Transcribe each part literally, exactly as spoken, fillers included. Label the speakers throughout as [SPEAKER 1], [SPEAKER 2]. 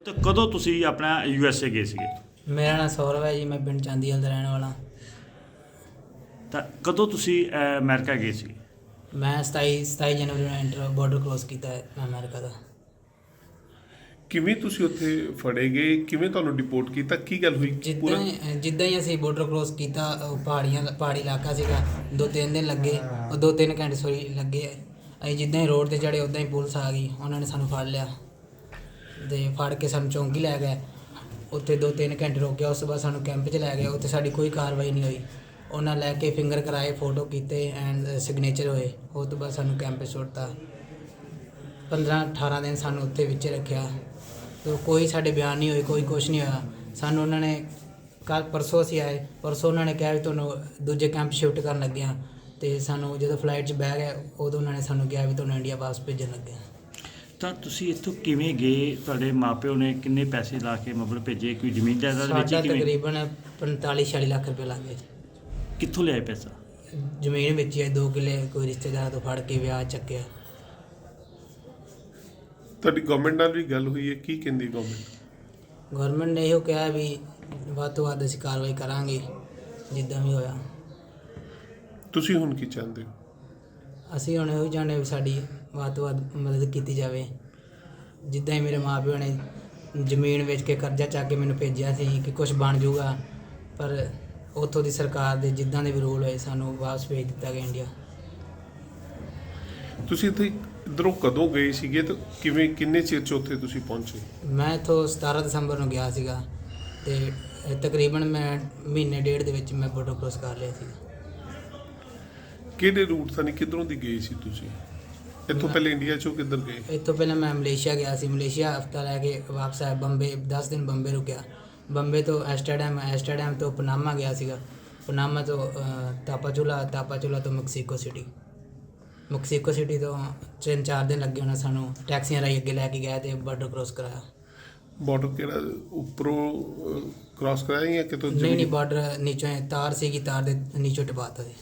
[SPEAKER 1] ਤੇ ਕਦੋਂ ਤੁਸੀਂ ਆਪਣਾ ਯੂ ਐਸ ਏ ਗਏ ਸੀਗੇ?
[SPEAKER 2] ਮੇਰਾ ਨਾਮ ਸੌਰਵ ਹੈ ਜੀ, ਮੈਂ ਪਿੰਡ ਚਾਂਦੀਵਾਲ ਦਾ ਰਹਿਣ ਵਾਲਾ।
[SPEAKER 1] ਤਾਂ ਕਦੋਂ ਤੁਸੀਂ ਅਹ, ਅਮਰੀਕਾ ਗਏ ਸੀ?
[SPEAKER 2] ਮੈਂ ਸਤਾਈ ਸਤਾਈ ਜਨਵਰੀ ਨੂੰ ਐਂਟਰ ਬਾਰਡਰ ਕ੍ਰੋਸ ਕੀਤਾ ਹੈ ਅਮਰੀਕਾ ਦਾ।
[SPEAKER 3] ਕਿਵੇਂ ਤੁਸੀਂ ਉੱਥੇ ਫੜੇ ਗਏ, ਕਿਵੇਂ ਤੁਹਾਨੂੰ ਡਿਪੋਰਟ ਕੀਤਾ, ਕੀ ਗੱਲ ਹੋਈ
[SPEAKER 2] ਜਿੱਦਾਂ ਹੀ ਜਿੱਦਾਂ ਹੀ ਅਸੀਂ ਬਾਰਡਰ ਕ੍ਰੋਸ ਕੀਤਾ, ਉਹ ਪਹਾੜੀਆਂ ਪਹਾੜੀ ਇਲਾਕਾ ਸੀਗਾ, ਦੋ ਤਿੰਨ ਦਿਨ ਲੱਗੇ, ਉਹ ਦੋ ਤਿੰਨ ਘੰਟੇ ਸੋਰੀ ਲੱਗੇ। ਅਸੀਂ ਜਿੱਦਾਂ ਹੀ ਰੋਡ 'ਤੇ ਚੜ੍ਹੇ ਉੱਦਾਂ ਹੀ ਪੁਲਿਸ ਆ ਗਈ, ਉਹਨਾਂ ਨੇ ਸਾਨੂੰ ਫੜ ਲਿਆ ਅਤੇ ਫੜ ਕੇ ਸਾਨੂੰ ਚੌਂਕੀ ਲੈ ਗਏ। ਉੱਥੇ ਦੋ ਤਿੰਨ ਘੰਟੇ ਰੋਕਿਆ, ਉਸ ਤੋਂ ਬਾਅਦ ਸਾਨੂੰ ਕੈਂਪ 'ਚ ਲੈ ਗਏ। ਉੱਥੇ ਸਾਡੀ ਕੋਈ ਕਾਰਵਾਈ ਨਹੀਂ ਹੋਈ। ਉਹਨਾਂ ਲੈ ਕੇ ਫਿੰਗਰ ਕਰਾਏ, ਫੋਟੋ ਕੀਤੇ ਐਂਡ ਸਿਗਨੇਚਰ ਹੋਏ। ਉਸ ਤੋਂ ਬਾਅਦ ਸਾਨੂੰ ਕੈਂਪ 'ਚ ਸੁੱਟਤਾ। ਪੰਦਰਾਂ ਅਠਾਰਾਂ ਦਿਨ ਸਾਨੂੰ ਉੱਥੇ ਵਿੱਚ ਰੱਖਿਆ ਤੇ ਕੋਈ ਸਾਡੇ ਬਿਆਨ ਨਹੀਂ ਹੋਏ, ਕੋਈ ਕੁਛ ਨਹੀਂ ਹੋਇਆ। ਸਾਨੂੰ ਉਹਨਾਂ ਨੇ ਕੱਲ੍ਹ ਪਰਸੋਂ ਅਸੀਂ ਆਏ, ਪਰਸੋਂ ਉਹਨਾਂ ਨੇ ਕਿਹਾ ਵੀ ਤੁਹਾਨੂੰ ਦੂਜੇ ਕੈਂਪ ਸ਼ਿਫਟ ਕਰਨ ਲੱਗੇ ਹਾਂ। ਅਤੇ ਸਾਨੂੰ ਜਦੋਂ ਫਲਾਈਟ 'ਚ ਬਹਿ ਗਏ, ਉਦੋਂ ਉਹਨਾਂ ਨੇ ਸਾਨੂੰ ਕਿਹਾ ਵੀ ਤੁਹਾਨੂੰ ਇੰਡੀਆ ਵਾਪਸ ਭੇਜਣ ਲੱਗੇ ਹਾਂ।
[SPEAKER 1] ਤਾਂ ਤੁਸੀਂ ਇੱਥੋਂ ਕਿਵੇਂ ਗਏ? ਤੁਹਾਡੇ ਮਾਪਿਓ ਨੇ ਕਿੰਨੇ ਪੈਸੇ ਲਾ ਕੇ ਮਤਲਬ ਭੇਜੇ? ਕੋਈ ਜ਼ਮੀਨ ਜਾਇਦਾਦ ਵੇਚੀ?
[SPEAKER 2] ਸਾਡਾ
[SPEAKER 1] ਕਿਵੇਂ?
[SPEAKER 2] ਤਕਰੀਬਨ ਪੰਤਾਲੀ ਛਿਆਲੀ ਲੱਖ ਰੁਪਏ ਲੱਗ ਗਏ।
[SPEAKER 1] ਕਿੱਥੋਂ ਲਿਆਏ ਪੈਸਾ?
[SPEAKER 2] ਜ਼ਮੀਨ ਵੇਚੀ ਹੈ, ਦੋ ਕਿੱਲੇ ਕੋਈ ਰਿਸ਼ਤੇਦਾਰ ਤੋਂ ਫੜ ਕੇ ਵਿਆਹ ਚੱਕਿਆ।
[SPEAKER 3] ਤੁਹਾਡੀ ਗਵਰਨਮੈਂਟ ਨਾਲ ਵੀ ਗੱਲ ਹੋਈ ਹੈ, ਕੀ ਕਹਿੰਦੀ ਗਵਰਨਮੈਂਟ?
[SPEAKER 2] ਗਵਰਨਮੈਂਟ ਨੇ ਇਹੋ ਕਿਹਾ ਵੀ ਵੱਧ ਤੋਂ ਵੱਧ ਅਸੀਂ ਕਾਰਵਾਈ ਕਰਾਂਗੇ ਜਿੱਦਾਂ ਵੀ ਹੋਇਆ।
[SPEAKER 3] ਤੁਸੀਂ ਹੁਣ ਕੀ ਚਾਹੁੰਦੇ ਹੋ?
[SPEAKER 2] ਅਸੀਂ ਹੁਣ ਇਹੋ ਚਾਹੁੰਦੇ ਵੀ ਸਾਡੀ ਵੱਧ ਤੋਂ ਵੱਧ ਮਦਦ ਕੀਤੀ ਜਾਵੇ। ਜਿੱਦਾਂ ਹੀ ਮੇਰੇ ਮਾਂ ਪਿਓ ਨੇ ਜ਼ਮੀਨ ਵੇਚ ਕੇ ਕਰਜ਼ਾ ਚੱਕ ਕੇ ਮੈਨੂੰ ਭੇਜਿਆ ਸੀ ਕਿ ਕੁਝ ਬਣ ਜਾਊਗਾ, ਪਰ ਉੱਥੋਂ ਦੀ ਸਰਕਾਰ ਦੇ ਜਿੱਦਾਂ ਦੇ ਵੀ ਰੂਲ ਹੋਏ, ਸਾਨੂੰ ਵਾਪਸ ਭੇਜ ਦਿੱਤਾ ਗਿਆ ਇੰਡੀਆ।
[SPEAKER 3] ਤੁਸੀਂ ਇੱਥੇ ਇੱਧਰੋਂ ਕਦੋਂ ਗਏ ਸੀਗੇ ਤੇ ਕਿਵੇਂ, ਕਿੰਨੇ ਚਿਰ 'ਚ ਉੱਥੇ ਤੁਸੀਂ ਪਹੁੰਚੇ?
[SPEAKER 2] ਮੈਂ ਇੱਥੋਂ ਸਤਾਰਾਂ ਦਸੰਬਰ ਨੂੰ ਗਿਆ ਸੀਗਾ ਅਤੇ ਤਕਰੀਬਨ ਮੈਂ ਮਹੀਨੇ ਡੇਢ ਦੇ ਵਿੱਚ ਮੈਂ ਬਾਰਡਰ ਕ੍ਰੋਸ ਕਰ ਲਿਆ ਸੀ।
[SPEAKER 3] ਕਿਹੜੇ ਰੂਟ ਤੋਂ, ਕਿੱਧਰੋਂ ਦੀ ਗਏ ਸੀ ਤੁਸੀਂ? ਇੱਥੋਂ ਪਹਿਲੇ ਇੰਡੀਆ 'ਚੋਂ ਕਿੱਧਰ ਗਏ?
[SPEAKER 2] ਇੱਥੋਂ ਪਹਿਲਾਂ ਮੈਂ ਮਲੇਸ਼ੀਆ ਗਿਆ ਸੀ। ਮਲੇਸ਼ੀਆ ਹਫ਼ਤਾ ਰਹਿ ਕੇ ਵਾਪਸ ਆਇਆ। ਬੰਬੇ ਦਸ ਦਿਨ ਬੰਬੇ ਰੁਕਿਆ। ਬੰਬੇ ਤੋਂ ਐਸਟਰਡਮ ਐਸਟਰਡਮ ਤੋਂ ਪਨਾਮਾ ਗਿਆ ਸੀਗਾ। ਪਨਾਮਾ ਤੋਂ ਤਾਪਾਚੁਲਾ, ਤਾਪਾਚੁਲਾ ਤੋਂ ਮੈਕਸੀਕੋ ਸਿਟੀ। ਮੈਕਸੀਕੋ ਸਿਟੀ ਤੋਂ ਤਿੰਨ ਚਾਰ ਦਿਨ ਲੱਗੇ ਉਹਨਾਂ ਸਾਨੂੰ ਟੈਕਸੀਆਂ ਰਾਹੀਂ ਅੱਗੇ ਲੈ ਕੇ ਗਏ ਅਤੇ ਬਾਰਡਰ ਕ੍ਰੋਸ ਕਰਾਇਆ।
[SPEAKER 3] ਬਾਰਡਰ ਕਿਹੜਾ ਉੱਪਰੋਂ ਕ੍ਰਾਸ ਕਰਾਇਆ ਜਾਂ ਕਿਤੋਂ?
[SPEAKER 2] ਨਹੀਂ ਨਹੀਂ ਬਾਰਡਰ ਨੀਚੋਂ ਤਾਰ ਸੀਗੀ, ਤਾਰ ਦੇ ਨੀਚੋਂ ਟਪਾਤਾ ਸੀ।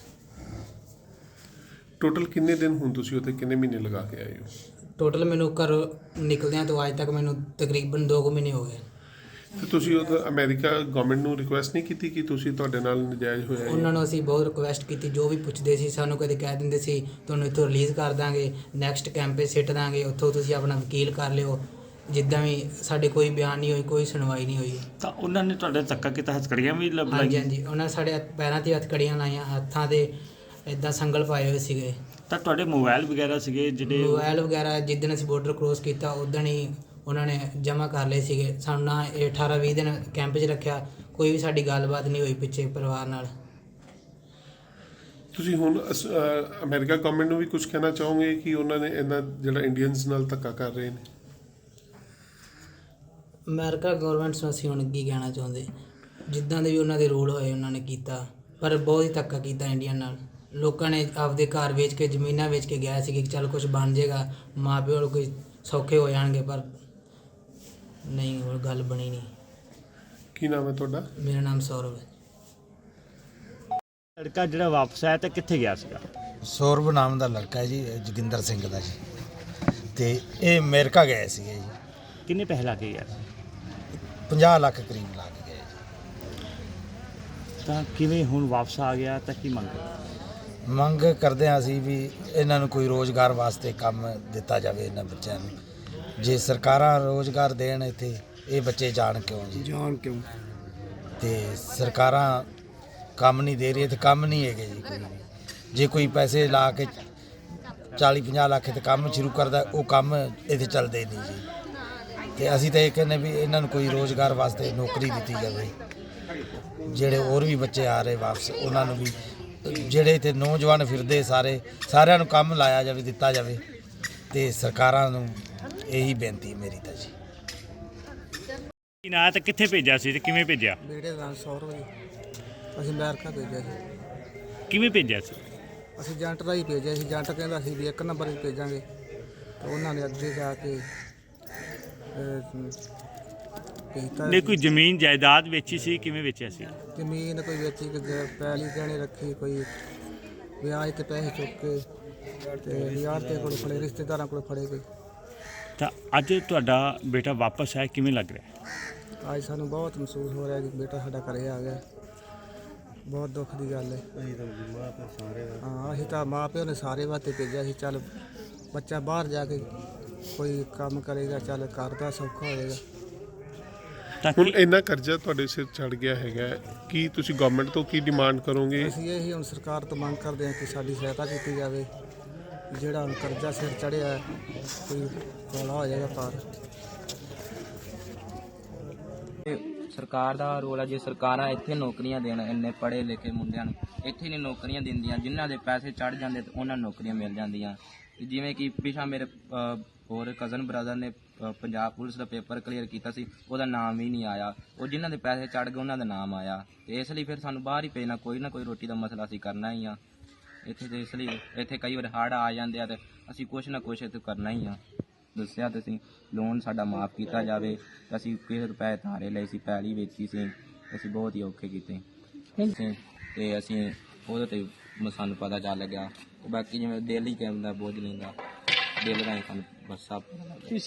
[SPEAKER 3] ਟੋਟਲ ਕਿੰਨੇ ਦਿਨ ਹੁਣ ਤੁਸੀਂ ਉੱਥੇ ਕਿੰਨੇ ਮਹੀਨੇ ਲਗਾ ਕੇ ਆਏ ਹੋ?
[SPEAKER 2] ਟੋਟਲ ਮੈਨੂੰ ਘਰੋਂ ਨਿਕਲਦਿਆਂ ਤੋਂ ਅੱਜ ਤੱਕ ਮੈਨੂੰ ਤਕਰੀਬਨ ਦੋ ਕੁ ਮਹੀਨੇ ਹੋ ਗਏ।
[SPEAKER 3] ਤੇ ਤੁਸੀਂ ਉਹ ਅਮਰੀਕਾ ਗਵਰਨਮੈਂਟ ਨੂੰ ਰਿਕੁਐਸਟ ਨਹੀਂ ਕੀਤੀ ਕਿ ਤੁਸੀਂ ਤੁਹਾਡੇ ਨਾਲ ਨਜਾਇਜ਼ ਹੋਇਆ?
[SPEAKER 2] ਉਹਨਾਂ ਨੂੰ ਅਸੀਂ ਬਹੁਤ ਰਿਕੁਐਸਟ ਕੀਤੀ, ਜੋ ਵੀ ਪੁੱਛਦੇ ਸੀ ਸਾਨੂੰ ਕਦੇ ਕਹਿ ਦਿੰਦੇ ਸੀ ਤੁਹਾਨੂੰ ਇੱਥੋਂ ਰਿਲੀਜ਼ ਕਰ ਦਾਂਗੇ, ਨੈਕਸਟ ਕੈਂਪ 'ਤੇ ਸਿੱਟ ਦਾਂਗੇ, ਉੱਥੋਂ ਤੁਸੀਂ ਆਪਣਾ ਵਕੀਲ ਕਰ ਲਿਓ। ਜਿੱਦਾਂ ਵੀ ਸਾਡੇ ਕੋਈ ਬਿਆਨ ਨਹੀਂ ਹੋਈ, ਕੋਈ ਸੁਣਵਾਈ ਨਹੀਂ ਹੋਈ।
[SPEAKER 1] ਤਾਂ ਉਹਨਾਂ ਨੇ ਤੁਹਾਡੇ ਧੱਕਾ ਕੀਤਾ, ਹੱਥਕੜੀਆਂ ਵੀ ਲੱਭ
[SPEAKER 2] ਹਾਂਜੀ
[SPEAKER 1] ਲਾਈਆਂ?
[SPEAKER 2] ਹਾਂਜੀ, ਉਹਨਾਂ ਨੇ ਸਾਡੇ ਪੈਰਾਂ 'ਤੇ ਹੱਥਕੜੀਆਂ ਲਾਈਆਂ, ਹੱਥਾਂ 'ਤੇ ਇੱਦਾਂ ਸੰਗਲ ਪਾਏ ਹੋਏ ਸੀਗੇ।
[SPEAKER 1] ਤਾਂ ਤੁਹਾਡੇ ਮੋਬਾਈਲ ਵਗੈਰਾ ਸੀਗੇ ਜਿਹੜੇ?
[SPEAKER 2] ਮੋਬਾਈਲ ਵਗੈਰਾ ਜਿੱਦਣ ਅਸੀਂ ਬਾਰਡਰ ਕ੍ਰੋਸ ਕੀਤਾ ਉਦਣ ਹੀ ਉਹਨਾਂ ਨੇ ਜਮ੍ਹਾਂ ਕਰ ਲਏ ਸੀਗੇ। ਸਾਨੂੰ ਨਾ ਇਹ ਅਠਾਰਾਂ ਵੀਹ ਦਿਨ ਕੈਂਪ 'ਚ ਰੱਖਿਆ, ਕੋਈ ਵੀ ਸਾਡੀ ਗੱਲਬਾਤ ਨਹੀਂ ਹੋਈ ਪਿੱਛੇ ਪਰਿਵਾਰ ਨਾਲ।
[SPEAKER 3] ਤੁਸੀਂ ਹੁਣ ਅਸ- ਅ, ਅਮਰੀਕਾ ਗਵਰਨਮੈਂਟ ਨੂੰ ਵੀ ਕੁਝ ਕਹਿਣਾ ਚਾਹੋਗੇ ਕਿ ਉਹਨਾਂ ਨੇ ਇਹਨਾਂ ਜਿਹੜਾ ਇੰਡੀਅਨਸ ਨਾਲ ਧੱਕਾ ਕਰ ਰਹੇ ਨੇ?
[SPEAKER 2] ਅਮਰੀਕਾ ਗੌਰਮੈਂਟਸ ਨੂੰ ਅਸੀਂ ਹੁਣ ਕੀ ਕਹਿਣਾ ਚਾਹੁੰਦੇ, ਜਿੱਦਾਂ ਦੇ ਵੀ ਉਹਨਾਂ ਦੇ ਰੂਲ ਹੋਏ ਉਹਨਾਂ ਨੇ ਕੀਤਾ, ਪਰ ਬਹੁਤ ਹੀ ਧੱਕਾ ਕੀਤਾ ਇੰਡੀਆ ਨਾਲ। ਲੋਕਾਂ ਨੇ ਆਪਦੇ ਘਰ ਵੇਚ ਕੇ, ਜ਼ਮੀਨਾਂ ਵੇਚ ਕੇ ਗਿਆ ਸੀ ਕਿ ਚੱਲ ਕੁਝ ਬਣ ਜਾਏਗਾ, ਮਾਂ ਪਿਓ ਨੂੰ ਕੋਈ ਸੌਖੇ ਹੋ ਜਾਣਗੇ, ਪਰ ਨਹੀਂ, ਹੋਰ ਗੱਲ ਬਣੀ ਨਹੀਂ।
[SPEAKER 3] ਕੀ ਨਾਮ ਹੈ ਤੁਹਾਡਾ?
[SPEAKER 2] ਮੇਰਾ ਨਾਮ ਸੌਰਵ ਹੈ।
[SPEAKER 1] ਲੜਕਾ ਜਿਹੜਾ ਵਾਪਸ ਆਇਆ ਤਾਂ ਕਿੱਥੇ ਗਿਆ ਸੀਗਾ?
[SPEAKER 4] ਸੌਰਵ ਨਾਮ ਦਾ ਲੜਕਾ ਹੈ ਜੀ, ਜੋਗਿੰਦਰ ਸਿੰਘ ਦਾ ਜੀ, ਅਤੇ ਇਹ ਅਮਰੀਕਾ ਗਏ ਸੀਗੇ ਜੀ।
[SPEAKER 1] ਕਿੰਨੇ ਪੈਸੇ ਲਾ ਕੇ ਗਿਆ ਸੀ?
[SPEAKER 4] ਪੰਜਾਹ ਲੱਖ ਕਰੀਬ ਲਾ ਕੇ ਗਏ ਜੀ।
[SPEAKER 1] ਤਾਂ ਕਿਵੇਂ ਹੁਣ ਵਾਪਸ ਆ ਗਿਆ ਤਾਂ ਕੀ ਮੰਗ?
[SPEAKER 4] ਮੰਗ ਕਰਦੇ ਹਾਂ ਅਸੀਂ ਵੀ ਇਹਨਾਂ ਨੂੰ ਕੋਈ ਰੋਜ਼ਗਾਰ ਵਾਸਤੇ ਕੰਮ ਦਿੱਤਾ ਜਾਵੇ ਇਹਨਾਂ ਬੱਚਿਆਂ ਨੂੰ। ਜੇ ਸਰਕਾਰਾਂ ਰੋਜ਼ਗਾਰ ਦੇਣ ਇੱਥੇ, ਇਹ ਬੱਚੇ ਜਾਣ ਕਿਉਂ ਜੀ?
[SPEAKER 2] ਜਾਣ ਕਿਉਂ?
[SPEAKER 4] ਅਤੇ ਸਰਕਾਰਾਂ ਕੰਮ ਨਹੀਂ ਦੇ ਰਹੀ, ਤੇ ਕੰਮ ਨਹੀਂ ਹੈਗੇ ਜੀ ਕੋਈ ਵੀ। ਜੇ ਕੋਈ ਪੈਸੇ ਲਾ ਕੇ ਚਾਲੀ ਪੰਜਾਹ ਲੱਖ ਤੇ ਕੰਮ ਸ਼ੁਰੂ ਕਰਦਾ, ਉਹ ਕੰਮ ਇੱਥੇ ਚੱਲਦੇ ਨਹੀਂ ਜੀ। ਅਤੇ ਅਸੀਂ ਤਾਂ ਇਹ ਕਹਿੰਦੇ ਵੀ ਇਹਨਾਂ ਨੂੰ ਕੋਈ ਰੋਜ਼ਗਾਰ ਵਾਸਤੇ ਨੌਕਰੀ ਦਿੱਤੀ ਜਾਵੇ। ਜਿਹੜੇ ਹੋਰ ਵੀ ਬੱਚੇ ਆ ਰਹੇ ਵਾਪਸ, ਉਹਨਾਂ ਨੂੰ ਵੀ, ਜਿਹੜੇ ਇੱਥੇ ਨੌਜਵਾਨ ਫਿਰਦੇ ਸਾਰੇ, ਸਾਰਿਆਂ ਨੂੰ ਕੰਮ ਲਾਇਆ ਜਾਵੇ, ਦਿੱਤਾ ਜਾਵੇ। ਅਤੇ ਸਰਕਾਰਾਂ ਨੂੰ ਇਹੀ ਬੇਨਤੀ ਮੇਰੀ ਤਾਂ ਜੀ।
[SPEAKER 1] ਕੀ ਨਾਂ ਤੇ ਕਿੱਥੇ ਭੇਜਿਆ ਸੀ ਤੇ ਕਿਵੇਂ ਭੇਜਿਆ?
[SPEAKER 5] ਬੇਟੇ ਦਾ ਨਾਮ ਸੌਰਵ ਜੀ। ਅਸੀਂ ਅਮਰੀਕਾ ਭੇਜਿਆ ਸੀ।
[SPEAKER 1] ਕਿਵੇਂ ਭੇਜਿਆ ਸੀ?
[SPEAKER 5] ਅਸੀਂ ਏਜੰਟ ਰਾਹੀਂ ਭੇਜਿਆ ਸੀ। ਏਜੰਟ ਕਹਿੰਦਾ ਸੀ ਵੀ ਇੱਕ ਨੰਬਰ 'ਤੇ ਭੇਜਾਂਗੇ, ਤਾਂ ਉਹਨਾਂ ਨੇ ਅੱਗੇ ਜਾ ਕੇ ਅਹ, ਭੇਜਤਾ।
[SPEAKER 1] ਨੇ ਕੋਈ ਜ਼ਮੀਨ ਜਾਇਦਾਦ ਵੇਚੀ ਸੀ? ਕਿਵੇਂ ਵੇਚਿਆ ਸੀ?
[SPEAKER 5] ਜ਼ਮੀਨ ਕੋਈ ਵੇਚੀ, ਕੋਈ ਪੈਲੀ ਗਹਿਣੇ ਰੱਖੀ, ਕੋਈ ਵਿਆਜ 'ਤੇ ਪੈਸੇ ਚੁੱਕ ਕੇ, ਅਤੇ ਯਾਰ ਤੇ ਕੋਲ ਫੜੇ, ਰਿਸ਼ਤੇਦਾਰਾਂ ਕੋਲ ਫੜੇ ਗਏ।
[SPEAKER 1] ਤਾਂ ਅੱਜ ਤੁਹਾਡਾ ਬੇਟਾ ਵਾਪਸ ਆਇਆ, ਕਿਵੇਂ ਲੱਗ ਰਿਹਾ?
[SPEAKER 5] ਅੱਜ ਸਾਨੂੰ ਬਹੁਤ ਮਹਿਸੂਸ ਹੋ ਰਿਹਾ ਕਿ ਬੇਟਾ ਸਾਡਾ ਘਰੇ ਆ ਗਿਆ। ਬਹੁਤ ਦੁੱਖ ਦੀ ਗੱਲ ਹੈ। ਹਾਂ ਅਸੀਂ ਤਾਂ ਮਾਂ ਪਿਓ ਨੇ ਸਾਰੇ ਵਾਸਤੇ ਭੇਜਿਆ ਸੀ, ਚੱਲ ਬੱਚਾ ਬਾਹਰ ਜਾ ਕੇ ਕੋਈ ਕੰਮ ਕਰੇਗਾ, ਚੱਲ ਘਰ ਦਾ ਸੌਖਾ ਹੋਏਗਾ।
[SPEAKER 1] ਤਾਂ
[SPEAKER 3] ਹੁਣ
[SPEAKER 1] ਕੀ-
[SPEAKER 3] ਇੰਨਾ ਕਰਜ਼ਾ ਤੁਹਾਡੇ ਸਿਰ ਚੜ ਗਿਆ ਹੈਗਾ, ਕੀ ਤੁਸੀਂ ਗਵਰਨਮੈਂਟ ਤੋਂ ਕੀ ਡਿਮਾਂਡ ਕਰੋਗੇ?
[SPEAKER 5] ਅਸੀਂ ਇਹ ਹੀ ਹੁਣ ਸਰਕਾਰ ਤੋਂ ਮੰਗ ਕਰਦੇ ਹਾਂ ਕਿ ਸਾਡੀ ਸਹਾਇਤਾ ਕੀਤੀ ਜਾਵੇ। ਜਿਹੜਾ ਹੁਣ ਕਰਜ਼ਾ ਸਿਰ ਚੜਿਆ ਹੈ, ਕੋਈ ਹੌਲਾ ਹੋ ਜਾਏਗਾ ਪਾਰ।
[SPEAKER 6] ਇਹ ਸਰਕਾਰ ਦਾ ਰੋਲ ਹੈ। ਜੇ ਸਰਕਾਰਾਂ ਇੱਥੇ ਨੌਕਰੀਆਂ ਦੇਣ ਇੰਨੇ ਪੜ੍ਹੇ ਲਿਖੇ ਮੁੰਡਿਆਂ ਨੂੰ, ਇੱਥੇ ਨਹੀਂ ਨੌਕਰੀਆਂ ਦਿੰਦੀਆਂ, ਜਿਨ੍ਹਾਂ ਦੇ ਪੈਸੇ ਚੜ ਜਾਂਦੇ ਤੇ ਉਹਨਾਂ ਨੂੰ ਨੌਕਰੀਆਂ ਮਿਲ ਜਾਂਦੀਆਂ। ਤੇ ਜਿਵੇਂ ਕਿ ਪਿਛਾ ਮੇਰੇ ਅ, ਹੋਰ ਕਜ਼ਨ ਬ੍ਰਦਰ ਨੇ ਅ, ਪੰਜਾਬ ਪੁਲਿਸ ਦਾ ਪੇਪਰ ਕਲੀਅਰ ਕੀਤਾ ਸੀ, ਉਹਦਾ ਨਾਮ ਹੀ ਨਹੀਂ ਆਇਆ। ਉਹ ਜਿਨ੍ਹਾਂ ਦੇ ਪੈਸੇ ਚੜ ਗਏ ਉਹਨਾਂ ਦਾ ਨਾਮ ਆਇਆ। ਤੇ ਇਸ ਲਈ ਫਿਰ ਸਾਨੂੰ ਬਾਹਰ ਹੀ ਭੇਜਣਾ, ਕੋਈ ਨਾ ਕੋਈ ਰੋਟੀ ਦਾ ਮਸਲਾ ਅਸੀਂ ਕਰਨਾ ਹੀ ਆ ਇੱਥੇ। ਤੇ ਇਸ ਲਈ ਇੱਥੇ ਕਈ ਵਾਰ ਹੜ੍ਹ ਆ ਜਾਂਦੇ ਆ ਤੇ ਅਸੀਂ ਕੁਛ ਨਾ ਕੁਛ ਇੱਥੇ ਕਰਨਾ ਹੀ ਆ। ਦੱਸਿਆ ਤੁਸੀਂ ਲੋਨ ਸਾਡਾ ਮਾਫ ਕੀਤਾ ਜਾਵੇ। ਅਸੀਂ ਕਿਸੇ ਰੁਪਏ ਧਾਰੇ ਲਏ ਸੀ, ਪੈਲੀ ਵੇਚੀ ਸੀ, ਅਸੀਂ ਬਹੁਤ ਹੀ ਔਖੇ ਕੀਤੇ ਤੇ ਅਸੀਂ ਉਹਦੇ ਤੇ ਸਾਨੂੰ ਪਤਾ ਚੱਲ ਗਿਆ। ਬਾਕੀ ਜਿਵੇਂ ਦਿਲ ਹੀ ਕਹਿੰਦਾ ਬੋਝ ਲੈਂਦਾ, ਦਿਲ ਦਾ ਹੀ ਸਾਨੂੰ ਬਸ ਸਭ